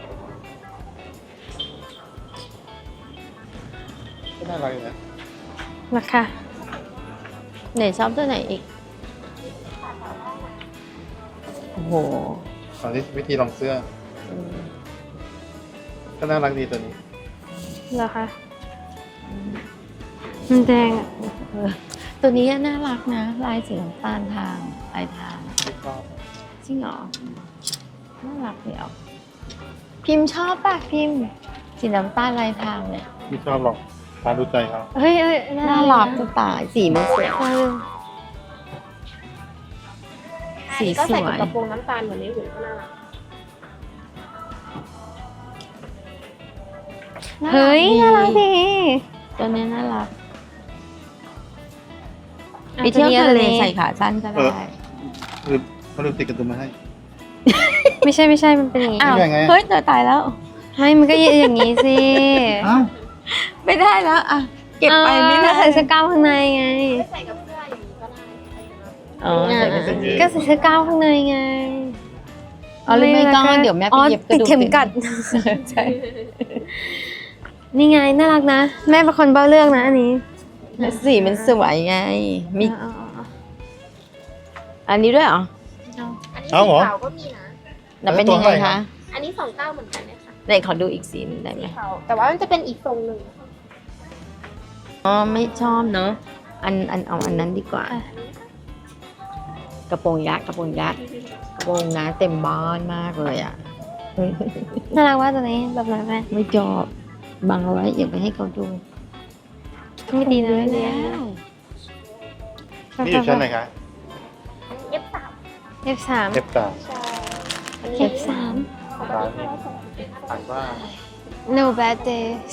[SPEAKER 2] ก็น่ารักอยู่นะ
[SPEAKER 1] ราคา
[SPEAKER 3] ไหนชอบตัวไหนอีก โอ้โห
[SPEAKER 2] ตอนนี้วิธีลองเสื้อ ก็น่ารักดีตัวนี้
[SPEAKER 1] ราคามันแดงอะ
[SPEAKER 3] เออตัวนี้น่ารักนะ ลายสีน้ำตาลทางลายทาง
[SPEAKER 2] ไม่ชอบ
[SPEAKER 3] จริงเหรอ น่ารักเดียว พิมพ์ชอบป่ะพิมพ์ สีน้ำตาลลายทางเนี่ย
[SPEAKER 2] ไม่ชอบหรอกตามดูใจเขา
[SPEAKER 1] เฮ้ยเอ้ย
[SPEAKER 3] น่ารักจะตายสีมันสวย
[SPEAKER 1] เออ
[SPEAKER 3] สี
[SPEAKER 4] ก็
[SPEAKER 3] ส
[SPEAKER 4] ใส่
[SPEAKER 3] ว
[SPEAKER 4] กับ
[SPEAKER 3] ย
[SPEAKER 4] กระโปรงน้ำตาลเหมือนในหุ่นก็น่ารัก
[SPEAKER 1] เฮ้ยน่ารักดี
[SPEAKER 3] ตัวนี้น่ารัก
[SPEAKER 1] อา
[SPEAKER 3] ไปเที่ยว
[SPEAKER 1] ตัวนี้
[SPEAKER 3] ทะเล
[SPEAKER 1] ตัวนี้
[SPEAKER 3] ใส่ขาสั้นก็ได้
[SPEAKER 2] ลืมเขาลืมติดกระดุมมาให้
[SPEAKER 1] ไม่ใช่ไม่ใช่มันเป็นอย่างนี้
[SPEAKER 3] อ้าว
[SPEAKER 2] ยังไง
[SPEAKER 3] เฮ้ยเธอตายแล้ว
[SPEAKER 1] ไม่มันก็อย่างนี้สิ
[SPEAKER 2] อ้าว
[SPEAKER 3] ไม่ได้แล้ว อ่ะ เก็บไปไม่ได้
[SPEAKER 1] อ่าใส่เสื้อกล้ามข้างในไง
[SPEAKER 4] ใส่กับเสื้ออย่างนี้ก็ได้
[SPEAKER 3] อ๋อใส่เป็นเสื้อยืด
[SPEAKER 1] ก็ใส่เสื้อกล้ามข้างในไง
[SPEAKER 3] อ๋อหรือไม่ก็
[SPEAKER 1] แล้
[SPEAKER 3] เดี๋ยวแม่ไป
[SPEAKER 1] อ๋อ
[SPEAKER 3] เย็บก
[SPEAKER 1] ติ
[SPEAKER 3] ระ
[SPEAKER 1] ด
[SPEAKER 3] ดูก
[SPEAKER 1] เข็มกัด
[SPEAKER 3] ใช่
[SPEAKER 1] นี่ไงน่ารักนะ แม่เป็นคนเบ้าเลือกนะอันนี้
[SPEAKER 3] แล้วสีมันสวยไง มี
[SPEAKER 1] เอาเอาเอา
[SPEAKER 3] อันนี้ด้วยเหรอ
[SPEAKER 1] เอา
[SPEAKER 4] อันนี้
[SPEAKER 2] เอา
[SPEAKER 4] สี
[SPEAKER 2] เหรอ
[SPEAKER 4] ขาวก็มีนะ
[SPEAKER 3] แล้วเป็นยังไงคะ
[SPEAKER 4] อันนี้สองเก้าเหมือนกันเนี่ยค่ะ
[SPEAKER 3] ไหนขอดูอีกสีหนึงได้ไหม
[SPEAKER 4] สีขาวแต่ว่ามันจะเป็นอีกทรงหนึ่ง
[SPEAKER 3] อ๋อ ไม่ชอบเนอะอันอันเอาอันนั้นดีกว่า กระโปรงยักษ์กระโปรงยักษ์กระโปรงนะเต็มบ้านมากเลยอ่ะ
[SPEAKER 1] น่ารักว่าตัวนี้แบบไหนแม่
[SPEAKER 3] ไม่ชอบบังเอาไว้อย่าไปให้เขาดู
[SPEAKER 1] ไม่ดีนะไม่ดี
[SPEAKER 3] แล้ว
[SPEAKER 2] นี่อยู่ชั้นไหนคะ
[SPEAKER 4] เอฟสาม
[SPEAKER 1] เอฟสาม
[SPEAKER 2] เอฟสาม
[SPEAKER 4] ใช่อันนี้
[SPEAKER 1] เอฟสาม
[SPEAKER 2] ร้านนี้อ่านว่า
[SPEAKER 1] no bad days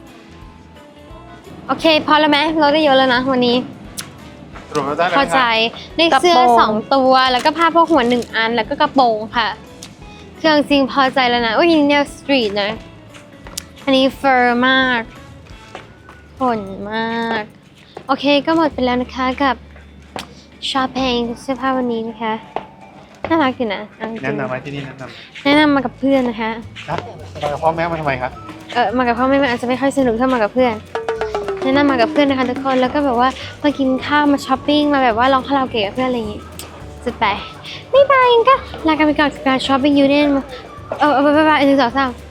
[SPEAKER 1] โอเค พอแล้วไหมเราได้เยอะแล้วนะวันนี้
[SPEAKER 2] สรุปแล้วได้แล้ว
[SPEAKER 1] พอ
[SPEAKER 2] นะ
[SPEAKER 1] ใจ
[SPEAKER 2] คะ
[SPEAKER 1] ได้เสื้อสองตัว แล้วก็ผ้าพกหัวหนึ่งอัน แล้วก็กระโปรงค่ะ เครื่องจริงพอใจแล้วนะ อุ้ยนี่แนวสตรีทนะ อันนี้เฟอร์มากขนมาก โอเคก็หมดไปแล้วนะคะกับช้อปปิ้งเสื้อผ้าวันนี้นะคะ น่ารักอยู่นะเอาจริงๆ
[SPEAKER 2] แนะนำไหมที่นี่แนะนำไหม
[SPEAKER 1] แนะนำมากับเพื่อนนะคะ
[SPEAKER 2] ครับมากับพ่อแม่มาทำไมครับ
[SPEAKER 1] เออมากับพ่อแม่มันอาจจะไม่ค่อยสนุกเท่ามากับเพื่อน แนะนำมากับเพื่อนนะคะทุกคน แล้วก็แบบว่ามากินข้าวมาช้อปปิ้งมาแบบว่าร้องคาราโอเกะกับเพื่อนอะไรอย่างงี้สุดไปบ๊ายบายก็ลากันไปก่อนกับการช้อปปิ้งยูเนียนเออเออบ๊ายบายหนึ่งสองสาม